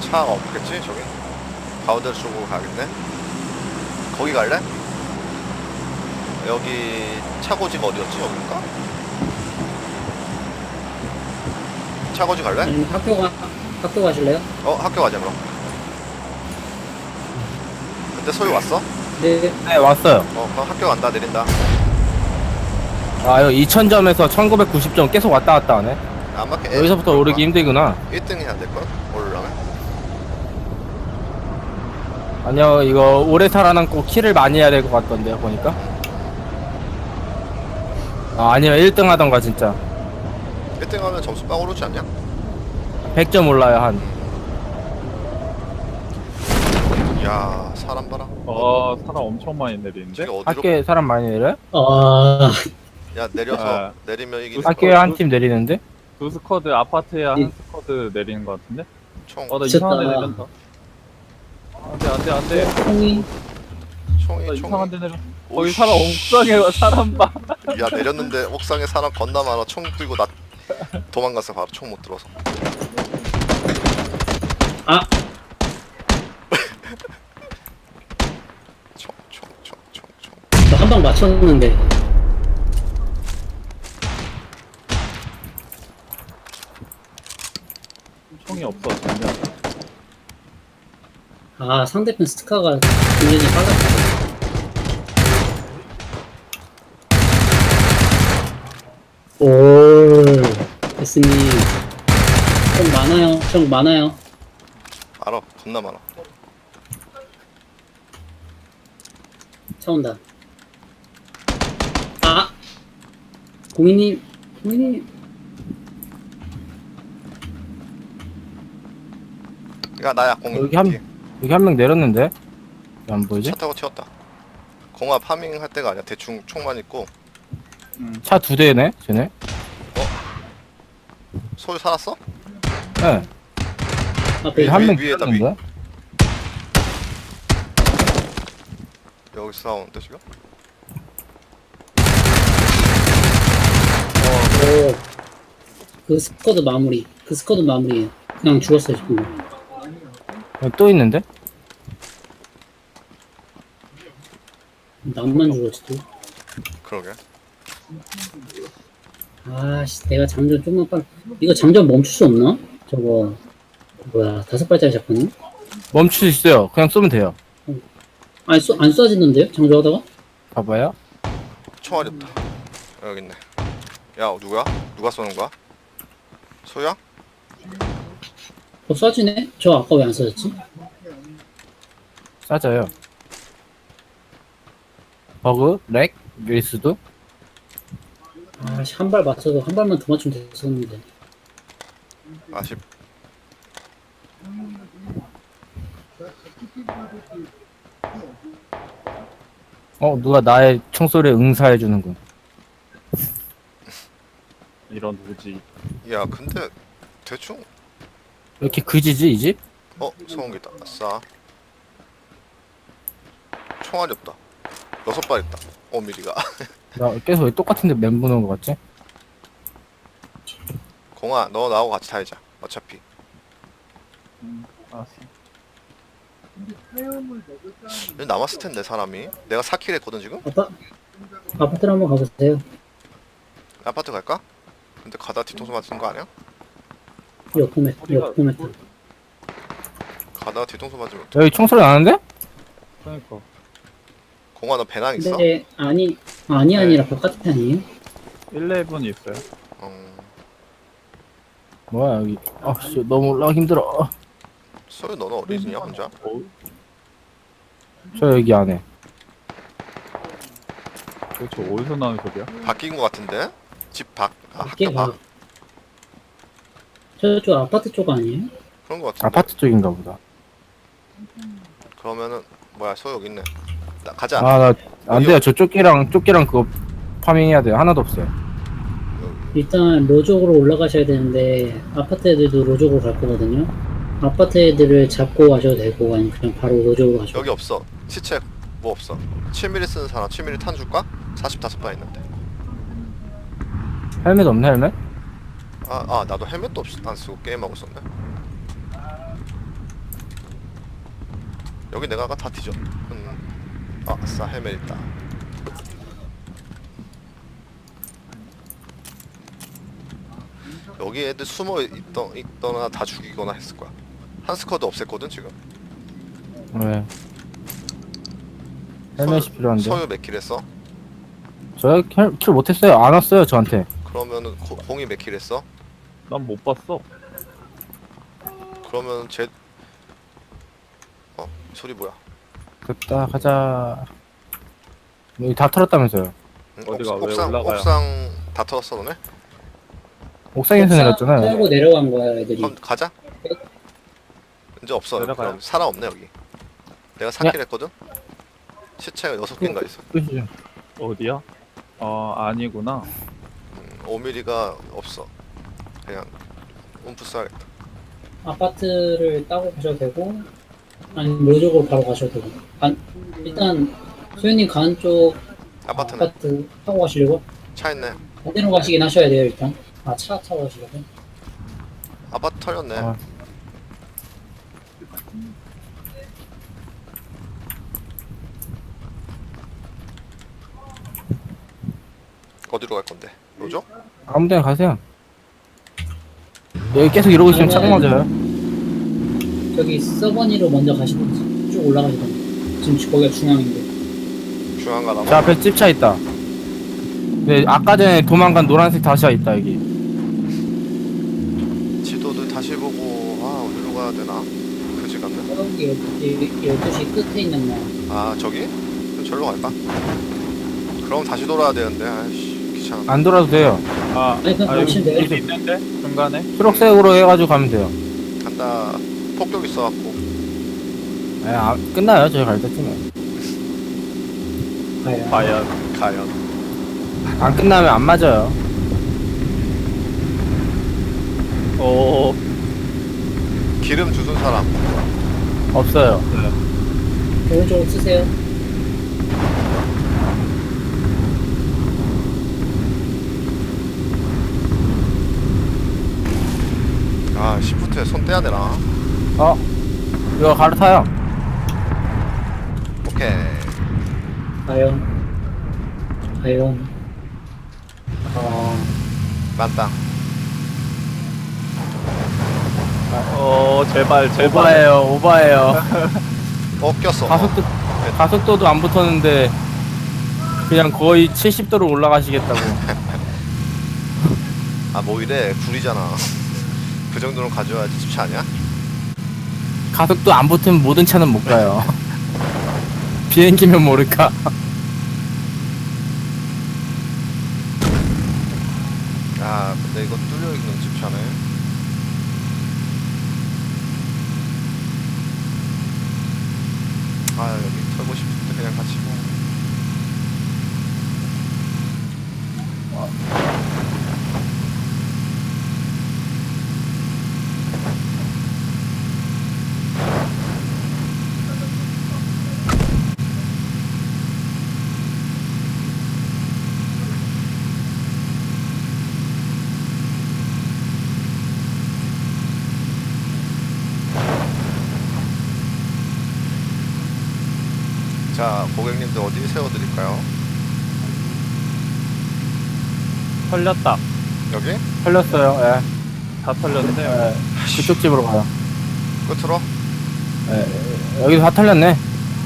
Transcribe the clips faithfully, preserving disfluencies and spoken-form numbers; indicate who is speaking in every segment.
Speaker 1: 차가 없겠지 저기? 가운데 쪽으로 가겠네. 거기 갈래? 여기 차고지가 어디였지? 여긴가? 차고지 갈래?
Speaker 2: 아니면 학교 가 학교 가실래요?
Speaker 1: 어 학교 가자 그럼. 근데 소유 왔어?
Speaker 2: 네.
Speaker 3: 네, 왔어요.
Speaker 1: 어 그럼 학교 간다. 내린다.
Speaker 3: 아, 이거 이천 점에서 천구백구십 점 계속 왔다 갔다 하네.
Speaker 1: 안 맞게
Speaker 3: 여기서부터 오르기 힘들구나.
Speaker 1: 일 등 해야 될걸? 오르려면?
Speaker 3: 아니요, 이거 오래 살아남고 킬을 많이 해야 될 것 같던데요, 보니까. 아, 아니면 일 등 하던가, 진짜.
Speaker 1: 일 등 하면 점수 빵 오르지 않냐?
Speaker 3: 백 점 올라요, 한.
Speaker 1: 야 사람 봐라.
Speaker 4: 어 사람 엄청 많이 내리는데?
Speaker 1: 저기 어디로?
Speaker 3: 학교에 사람 많이 내려요?
Speaker 2: 아,
Speaker 1: 야 내려서
Speaker 4: 아.
Speaker 1: 내리면 이기.
Speaker 4: 학-
Speaker 3: 학교에 한 팀 내리는데?
Speaker 4: 두 스쿼드 아파트에 한
Speaker 2: 예.
Speaker 4: 스쿼드 내리는 것 같은데?
Speaker 1: 총
Speaker 4: 어나
Speaker 2: 미쳤다.
Speaker 4: 이상한 데 내린다. 안돼 안돼 안돼.
Speaker 2: 총이
Speaker 1: 총이
Speaker 4: 나
Speaker 1: 총.
Speaker 4: 이상한 데 내려.
Speaker 1: 오이씨.
Speaker 4: 거기 사람 옥상에 사람 봐.
Speaker 1: 야 내렸는데 옥상에 사람 건나 많아. 총 들고 나 도망갔어. 바로 총 못 들어서.
Speaker 2: 아,
Speaker 1: 총 총 총 총 총.
Speaker 2: 저 한 방 맞췄는데.
Speaker 4: 총이 없어 전혀.
Speaker 2: 아, 상대편 스카가 굉장히 빨랐다. 올, 에스님. 좀 많아요. 좀 많아요.
Speaker 1: 알아. 겁나 많아.
Speaker 2: 차 온다. 아! 공인님, 공인님.
Speaker 1: 야 나야 공.
Speaker 3: 여기 한,
Speaker 1: 뒤에.
Speaker 3: 여기 한 명 내렸는데? 왜 안 보이지?
Speaker 1: 차 타고 튀었다. 공화 파밍 할 때가 아니야. 대충 총만 있고.
Speaker 3: 차 두 대네, 쟤네?
Speaker 1: 소유 살았어?
Speaker 3: 네.
Speaker 2: 앞에
Speaker 3: 여기 한 명
Speaker 1: 위에다,
Speaker 3: 내렸는데?
Speaker 1: 여기 싸우는데 지금?
Speaker 2: 오, 그 스쿼드 마무리. 그 스쿼드 마무리에요. 그냥 죽었어요, 지금.
Speaker 3: 여기 또 있는데?
Speaker 2: 나만 죽었지, 또.
Speaker 1: 그러게.
Speaker 2: 아씨, 내가 장전 좀만 빨리. 이거 장전 멈출 수 없나? 저거, 뭐야, 다섯 발짜리 샷건이?
Speaker 3: 멈출 수 있어요. 그냥 쏘면 돼요.
Speaker 2: 아니, 쏘, 안 쏴지는데요? 장전하다가?
Speaker 3: 봐봐요.
Speaker 1: 총알이 없다. 여기 있네. 야 누구야? 누가 쏘는 거야? 소유야?
Speaker 2: 어, 쏴지네? 저 아까 왜 안 쏴졌지?
Speaker 3: 싸져요. 버그, 렉, 일 수도.
Speaker 2: 아씨, 한 발 맞춰서 한 발만 더 맞추면 됐었는데.
Speaker 1: 아쉽.
Speaker 3: 어, 누가 나의 총소리에 응사해주는군.
Speaker 4: 이런 누구지?
Speaker 1: 야 근데 대충.
Speaker 3: 왜 이렇게 그지지, 이 집?
Speaker 1: 어 소음기다. 아싸. 총알이 없다. 여섯 발 있다. 오 밀리가.
Speaker 3: 나 계속 왜 똑같은데 멘붕 오는 것 같지?
Speaker 1: 공아 너 나하고 같이 타이자. 어차피.
Speaker 4: 음 알았어.
Speaker 1: 여기 남았을 텐데 사람이. 내가 사 킬 했거든 지금.
Speaker 2: 아빠, 아파트로 한번 가보세요.
Speaker 1: 아파트 갈까? 근데 가다 뒤통수 맞는 거 아니야?
Speaker 2: 옆포메, 옆포메타.
Speaker 1: 가다가 뒤통수 맞으면 어떡해.
Speaker 3: 여기 총소리 나는데?
Speaker 4: 그러니까.
Speaker 1: 공아 너 배낭 있어?
Speaker 2: 근데, 아니, 아니,
Speaker 1: 네.
Speaker 2: 아니라 바깥에 아니에요?
Speaker 4: 일레븐이 있어요.
Speaker 1: 음,
Speaker 3: 뭐야, 여기. 아, 씨, 너무 올라가기 힘들어.
Speaker 1: 소유 너는 어디지냐 혼자?
Speaker 4: 어?
Speaker 3: 저 여기 안에.
Speaker 4: 도대체 어디서 나는 소리야?
Speaker 1: 바뀐 거 같은데? 집 밖? 아
Speaker 2: 이게
Speaker 1: 학교 밖?
Speaker 2: 봐. 저쪽 아파트 쪽 아니에요?
Speaker 1: 그런 거 같은데?
Speaker 3: 아파트 쪽인가 보다.
Speaker 1: 그러면은 뭐야 소유 여기 있네. 나 가자.
Speaker 3: 아, 나, 안
Speaker 1: 여기
Speaker 3: 돼요. 저 조끼랑, 조끼랑 그거 파밍해야 돼요. 하나도 없어요.
Speaker 1: 여기.
Speaker 2: 일단 로족으로 올라가셔야 되는데 아파트 애들도 로족으로 갈 거거든요. 아파트 애들을 잡고 가셔도 되고 아니면 그냥 바로 로족으로 가셔도
Speaker 1: 여기 없어. 시체 뭐 없어. 칠 밀리미터 쓰는 사람 칠 밀리미터 탄 줄까? 사십오 발 있는데.
Speaker 3: 헬멧 없네, 헬멧?
Speaker 1: 아, 아 나도 헬멧도 없, 안 쓰고 게임하고 있었네. 여기 내가 아까 다 뒤져. 음. 아, 아싸 헬멧 있다. 여기 애들 숨어 있던, 있거나 다 죽이거나 했을 거야. 한 스쿼드 없앴거든 지금.
Speaker 3: 네. 헬멧이 필요한데.
Speaker 1: 서유 몇 킬 했어?
Speaker 3: 저 킬 못했어요. 안 왔어요 저한테.
Speaker 1: 그러면은 고, 공이 몇 킬 했어?
Speaker 4: 난 못 봤어.
Speaker 1: 그러면 제 어? 소리 뭐야?
Speaker 3: 됐다 가자. 여기 다 털었다면서요.
Speaker 1: 응?
Speaker 4: 어디가,
Speaker 1: 옥,
Speaker 4: 왜
Speaker 1: 옥상
Speaker 4: 올라가요?
Speaker 1: 옥상 다 털었어 너네?
Speaker 3: 옥상에서 내렸잖아요.
Speaker 2: 타고 내려간 거야 애들이.
Speaker 1: 그럼 가자. 이제 없어.
Speaker 4: 내려가요?
Speaker 1: 그럼 사람 없네 여기. 내가 사 킬 했거든. 시체가 여섯 개인가 있어.
Speaker 3: 끝이죠.
Speaker 4: 어디야? 어, 아니구나.
Speaker 1: 음, 오 밀리미터가 없어. 그냥 움프 써야겠다.
Speaker 2: 아파트를 따고 가셔도 되고 아니면 로족으로 바로 가셔도 되고. 간, 일단 소연님 가는 쪽
Speaker 1: 아파트는
Speaker 2: 아파트 타고 가시려고?
Speaker 1: 차 있네.
Speaker 2: 반대로 가시긴 하셔야 돼요 일단. 아 차 타고 가시려고?
Speaker 1: 아파트 털렸네.
Speaker 3: 아.
Speaker 1: 어디로 갈 건데? 로죠?
Speaker 3: 아무 데나 가세요. 여기 계속 이러고 있으면 차고 맞아요.
Speaker 2: 저기 서버니로 먼저 가시든지 쭉 올라가시든지. 지금 거기가 중앙인데.
Speaker 1: 중앙 가나
Speaker 3: 저
Speaker 1: 봐.
Speaker 3: 앞에 찝차 있다. 네, 아까 전에 도망간 노란색 다시아 있다 여기.
Speaker 1: 지도도 다시 보고 아 어디로 가야 되나? 그지 같네.
Speaker 2: 저기 열두 시 끝에 있는 거.
Speaker 1: 아 저기? 그럼 절로 갈까? 그럼 다시 돌아야 되는데 아이씨 귀찮아.
Speaker 3: 안 돌아도 돼요.
Speaker 4: 아,
Speaker 2: 아니, 그냥
Speaker 4: 아 여기
Speaker 2: 보시면 돼요.
Speaker 4: 길 있는데? 중간에?
Speaker 3: 초록색으로 해가지고 가면 돼요.
Speaker 1: 간다. 폭격 있어갖고.
Speaker 3: 네, 아, 끝나요 저희 갈 때쯤에.
Speaker 2: 가야.
Speaker 4: 과연.
Speaker 1: 과연.
Speaker 3: 안 끝나면 안 맞아요.
Speaker 4: 오,
Speaker 1: 기름 주순 사람.
Speaker 3: 없어요.
Speaker 2: 오른쪽으로 쓰세요.
Speaker 1: 아 시프트에 손 떼야 되나?
Speaker 3: 어? 이거 갈아타요.
Speaker 1: 오케이.
Speaker 2: 과연. 과연. 어.
Speaker 1: 만땅.
Speaker 4: 어, 제발, 제발.
Speaker 3: 오바예요, 오바예요.
Speaker 1: 어 꼈어.
Speaker 3: 가속도 가속도도 안 붙었는데 그냥 거의 칠십 도로 올라가시겠다고.
Speaker 1: 아 뭐 이래 구리잖아. 그 정도는 가져야지 집차 아니야?
Speaker 3: 가속도 안 붙으면 모든 차는 못 가요. 비행기면 모를까.
Speaker 1: 아 근데 이거 뚫려 있는 집차네. 아 여기 털고 싶은데 그냥 같이 뭐. 자 고객님들 어디 세워드릴까요?
Speaker 4: 털렸다.
Speaker 1: 여기?
Speaker 3: 털렸어요. 예.
Speaker 4: 다 털렸네.
Speaker 3: 예. 그쪽 집으로 가요.
Speaker 1: 끝으로?
Speaker 3: 예. 여기도 다 털렸네.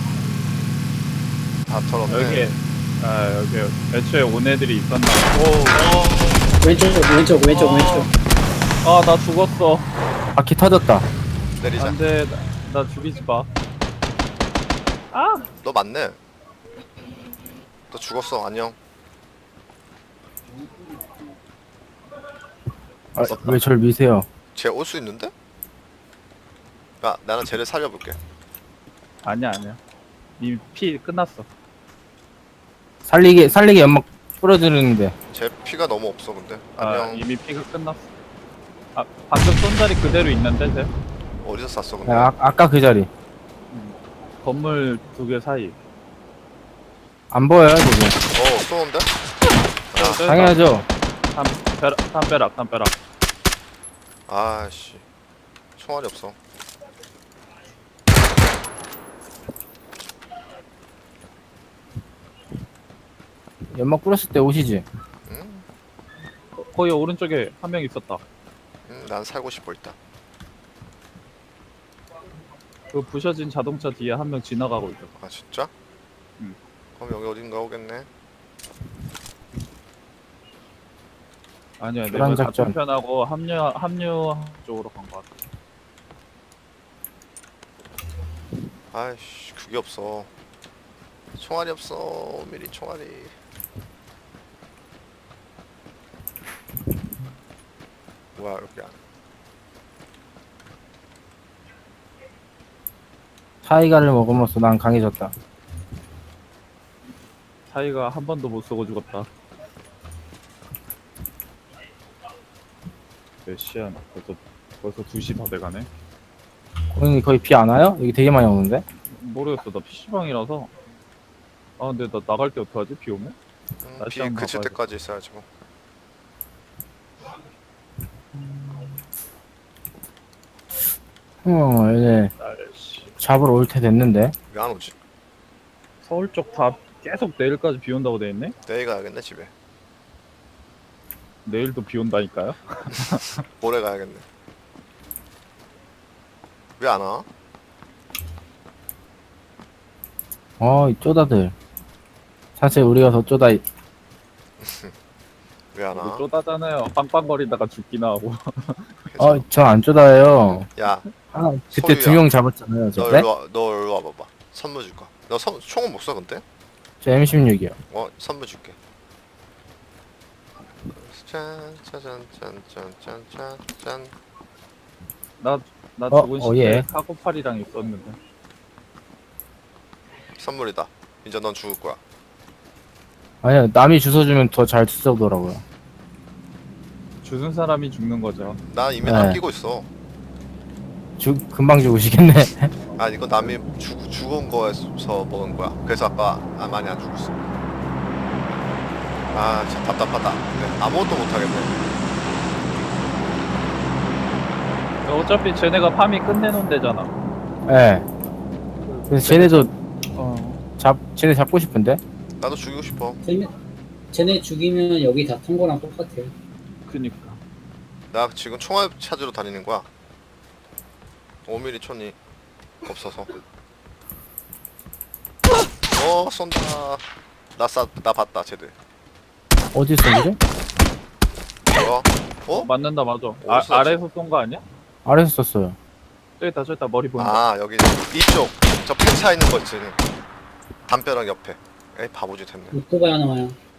Speaker 1: 다 털었네.
Speaker 4: 여기, 아, 여기, 애초에 온 애들이 있었나. 오,
Speaker 2: 왼쪽, 왼쪽, 왼쪽,
Speaker 4: 어.
Speaker 2: 왼쪽.
Speaker 4: 아, 나 죽었어.
Speaker 3: 바퀴 터졌다.
Speaker 1: 내리자.
Speaker 4: 안 돼, 나, 나 죽이지 마. 아!
Speaker 1: 너 맞네. 너 죽었어. 안녕.
Speaker 3: 아, 왜 절 미세요?
Speaker 1: 쟤 올 수 있는데? 야 나는 쟤를 살려볼게.
Speaker 4: 아니야, 아니야. 이미 피 끝났어.
Speaker 3: 살리게 살리게 연막 뿌려주는데.
Speaker 1: 쟤 피가 너무 없어 근데.
Speaker 4: 아,
Speaker 1: 안녕.
Speaker 4: 이미 피가 끝났어. 아, 방금 쏜 자리 그대로 있는데, 쟤?
Speaker 1: 어디서 쐈어 근데?
Speaker 3: 예, 아, 아까 그 자리
Speaker 4: 건물 두 개 사이.
Speaker 3: 안 보여요 지금.
Speaker 1: 어 쏘는데? 아,
Speaker 3: 당연하죠.
Speaker 4: 담벼락, 담벼락, 담벼락.
Speaker 1: 아씨 총알이 없어.
Speaker 3: 연막 뿌렸을 때 오시지.
Speaker 1: 응?
Speaker 4: 어, 거기 오른쪽에 한 명 있었다.
Speaker 1: 응, 난 살고 싶어 일단.
Speaker 4: 그 부셔진 자동차 뒤에 한 명 지나가고 있어.
Speaker 1: 아 진짜?
Speaker 4: 응.
Speaker 1: 그럼 여기 어딘가 오겠네.
Speaker 4: 아니야,
Speaker 3: 교란
Speaker 4: 내가
Speaker 3: 작전.
Speaker 4: 같은 편하고 합류 합류 쪽으로 간 것 같아.
Speaker 1: 아이씨 그게 없어. 총알이 없어. 미리 총알이. 뭐야 여기 안.
Speaker 3: 타이가를 먹으면서 난 강해졌다.
Speaker 4: 사이가 한 번도 못 쓰고 죽었다. 몇 시야? 벌써 벌써 두 시 다 돼가네.
Speaker 3: 고객님 거의 비 안 와요? 여기 되게 많이 오는데?
Speaker 4: 모르겠어. 나 피시방이라서. 아 근데 나 나갈 때 어떡하지? 비 오면?
Speaker 1: 응,
Speaker 4: 날씨
Speaker 1: 비
Speaker 4: 한번
Speaker 1: 그칠
Speaker 4: 봐야지.
Speaker 1: 때까지 있어야지 뭐.
Speaker 3: 어 이제
Speaker 4: 날씨.
Speaker 3: 잡으러 올 때 됐는데.
Speaker 1: 왜 안 오지?
Speaker 4: 서울 쪽 다 계속 내일까지 비 온다고 돼 있네?
Speaker 1: 내일 가야겠네 집에.
Speaker 4: 내일도 비 온다니까요?
Speaker 1: 모레 가야겠네. 왜 안 와?
Speaker 3: 어, 이 쪼다들. 사실 우리가 더 쪼다.
Speaker 1: 왜 안
Speaker 4: 이거
Speaker 1: 와?
Speaker 4: 쪼다잖아요. 빵빵거리다가 죽기나 하고.
Speaker 3: 어, 전 안 쪼다예요.
Speaker 1: 야,
Speaker 3: 아, 그때
Speaker 1: 소유야.
Speaker 3: 두 명 잡았잖아요.
Speaker 1: 너
Speaker 3: 저 때?
Speaker 1: 일로 와, 너 일로 와봐봐. 선물 줄 거야. 너 선, 총은 못 써 근데?
Speaker 3: 저 엠 십육이요.
Speaker 1: 어, 선물 줄게. 짠, 짜잔, 짠, 짠, 짠, 짠, 짠.
Speaker 4: 나, 나
Speaker 3: 어,
Speaker 4: 죽은
Speaker 3: 어,
Speaker 4: 시대
Speaker 3: 예.
Speaker 4: 카고팔이랑 있었는데.
Speaker 1: 선물이다. 이제 넌 죽을 거야.
Speaker 3: 아니요, 남이 주워주면 더 잘 쓰더라고요.
Speaker 4: 주는 사람이 죽는 거죠.
Speaker 1: 난 이미
Speaker 3: 네.
Speaker 1: 남기고 있어.
Speaker 3: 죽, 금방 죽으시겠네.
Speaker 1: 아, 이거 남이 죽, 죽은 거에서 먹은 거야. 그래서 아까 아, 많이 안 죽었어. 아, 진짜 답답하다. 네, 아무것도 못 하겠네.
Speaker 4: 어차피 쟤네가 파미 끝내놓은 데잖아.
Speaker 3: 예. 그래서 쟤네도
Speaker 4: 어.
Speaker 3: 잡, 쟤네 잡고 싶은데?
Speaker 1: 나도 죽이고 싶어.
Speaker 2: 쟤네, 쟤네 죽이면 여기 다 탄 거랑 똑같아요.
Speaker 4: 그니까.
Speaker 1: 나 지금 총알 찾으러 다니는 거야. 오 밀리미터 촌이 없어서. 어, 쏜다. 나 쏴, 나 봤다, 쟤들.
Speaker 3: 어디 쏜거지?
Speaker 1: 뭐야? 어?
Speaker 4: 맞는다, 맞아. 아,
Speaker 1: 어디서
Speaker 4: 아래에서 쏜 거 아니야?
Speaker 3: 아래서 썼어요.
Speaker 4: 저기 있다, 저기 있다. 머리 보인다.
Speaker 1: 아, 여기 이쪽. 저 펜차 있는 거 있지. 담벼락 옆에. 에이, 바보짓 했네.
Speaker 2: 오토바이 하나 와요.